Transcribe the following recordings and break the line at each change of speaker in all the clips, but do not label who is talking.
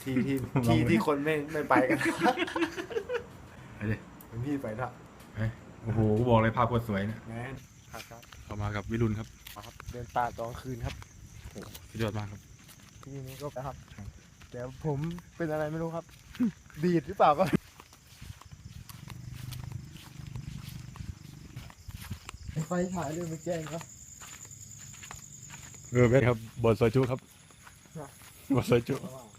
ที่คนไม่ไปกัน
ไปดิ
พี่ไปละ
โอ้โหกูบอกเลยภาพโคตรสวยเนี่ย
แมนครับ
เข้ามากับวิรุณครับ
ครับเดินป่าตอนคืนครับ
สุดยอดมากครับ
ที่นี้ก็ครับเดี๋ยวผมเป็นอะไรไม่รู้ครับ ดีดหรือเปล่าก็ไฟถ่ายเรื่องไปแจ้งครับ
เวทครับบทซอยจุครับบทซอยจุ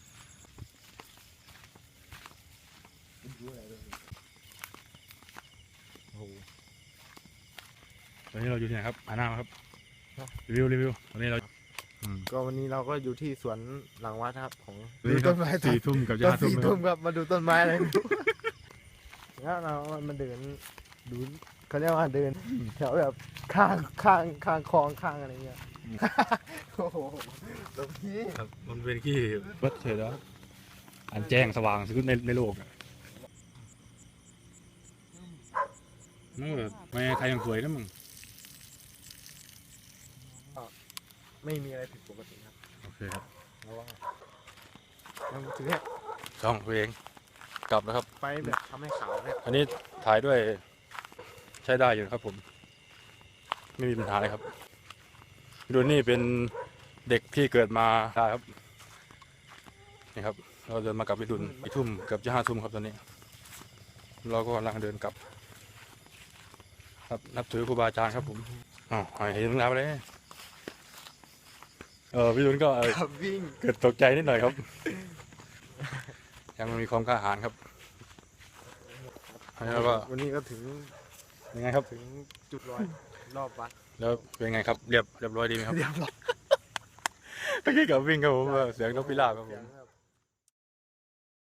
ตอนนี้เราอยู่ที่ไหนครับอาน้าครับรีวิวตอนนี้เรา
ก็วันนี้เราก็อยู่ที่สวนหลังวัดครับของ
ดูต้นไม้4 ทุ่มกับ5 ทุ่ม
4 ทุ่มครับมาดูต้นไม้อะไรแล้วเรามาเดินดูเขาเรียกว่าเดินแถวแบบข้างคลองข้างอะไรเงี้ยโอ้โหหลวงพี่
ครับมันเป็นที่วัดเฉยแล้วอันแจ้งสว่างสุดในโลกอ่ะนั่นแบบไม่ใครยังสวยนะมึง
ไม่มีอะไรผิดปกติครับ
โอเคครับ
แล้วว่าเราถือเนี่ย
ช่องตัวเองกลับแล้วครับ
ไปแบบทำให้ขาวเนี่ย
อันนี้ถ่ายด้วยใช้ได้อยู่ครับผมไม่มีปัญหาเลยครับดูนี่เป็นเด็กที่เกิดมาได้ครับนี่ครับเราเดินมากับวิดุล4 ทุ่มเกือบจะ5 ทุ่มครับตอนนี้เราก็กำลังเดินกลับครับนับถือครูบาอาจารย์ครับผมอ๋อเห็นมึงแล้วเลยวิดุลก็
ขับวิ่ง
เกิดตกใจนิดหน่อยครับ ยังมีความกล้าหาญครับแล้วก็
วันนี้ก็ถึง
ยังไงครับ
ถึงจุดรอบวัด
แล้วเป็นไงครับเรียบร้อยดีไหมครับ
เรียบร้อย
เมื่อกี้กับวิ่งครับผมเสียงนกพิราบครับผม
เสียง